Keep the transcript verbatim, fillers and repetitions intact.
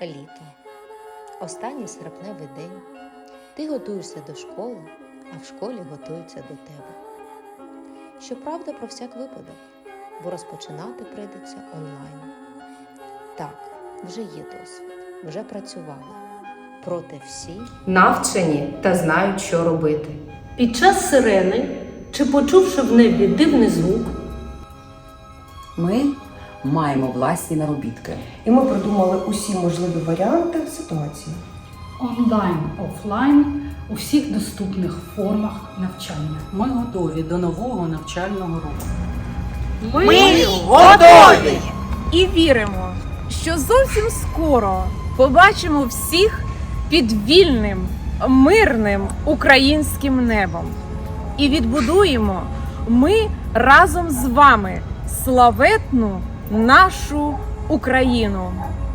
Літо. Останній серпневий день. Ти готуєшся до школи, а в школі готуються до тебе. Щоправда, про всяк випадок, бо розпочинати прийдеться онлайн. Так, вже є досвід, вже працювали. Проте всі навчені та знають, що робити. Під час сирени, чи почувши в небі дивний звук, Ми маємо власні наробітки. І ми продумали усі можливі варіанти ситуації. Онлайн, офлайн у всіх доступних формах навчання. Ми готові до нового навчального року. Ми готові! І віримо, що зовсім скоро побачимо всіх під вільним, мирним українським небом. І відбудуємо ми разом з вами славетну нашу Україну.